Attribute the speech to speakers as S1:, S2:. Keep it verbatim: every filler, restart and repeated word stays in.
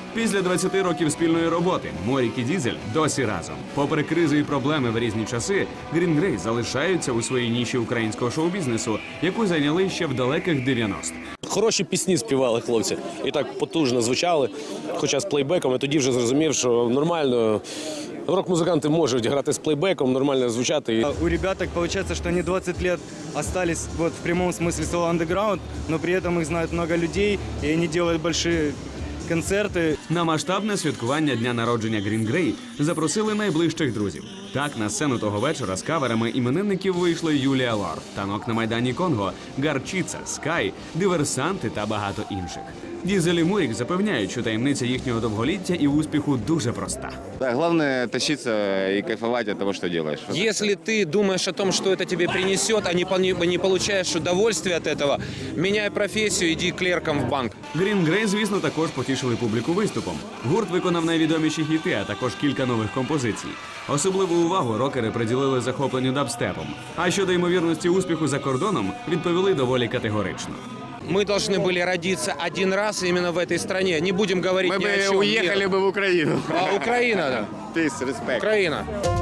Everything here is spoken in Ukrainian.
S1: Після двадцяти років спільної роботи Морік і Дізель досі разом. Попри кризи і проблеми в різні часи, Green Grey залишаються у своїй ніші українського шоу-бізнесу, яку зайняли ще в далеких дев'яностих.
S2: Хороші пісні співали хлопці і так потужно звучали, хоча з плейбеком. Я тоді вже зрозумів, що нормально рок-музиканти можуть грати з плейбеком, нормально звучати.
S3: У ребят так получается, что они двадцать лет остались вот в прямом смысле слова underground, но при этом их знает много людей, и они делают большие концерти.
S1: На масштабне святкування дня народження Green Grey запросили найближчих друзів. Так, на сцену того вечора з каверами іменинників вийшли Юлія Лорд, Танок на Майдані Конго, Гарчіца, Скай, Диверсанти та багато інших. Дізель і Морік запевняють, що таємниця їхнього довголіття і успіху дуже проста.
S4: Да, главное тащиться и кайфовать от того, что делаешь.
S5: Если ты думаешь о том, что это тебе принесет, а не, по- не получаешь удовольствие от этого, меняй профессию, иди клерком в банк.
S1: Green Grey, звісно, також потішили публіку виступом. Гурт виконав найвідоміші хіти, а також кілька нових композицій. Особливу увагу рокери приділили захопленню дабстепом. А щодо ймовірності успіху за кордоном, відповіли доволі категорично.
S5: Мы должны были родиться один раз именно в этой стране. Не будем говорить
S4: Мы
S5: ни о
S4: бы
S5: чем.
S4: уехали
S5: Нет.
S4: бы в Украину.
S5: А, Украина, да.
S4: Peace, respect.
S5: Украина.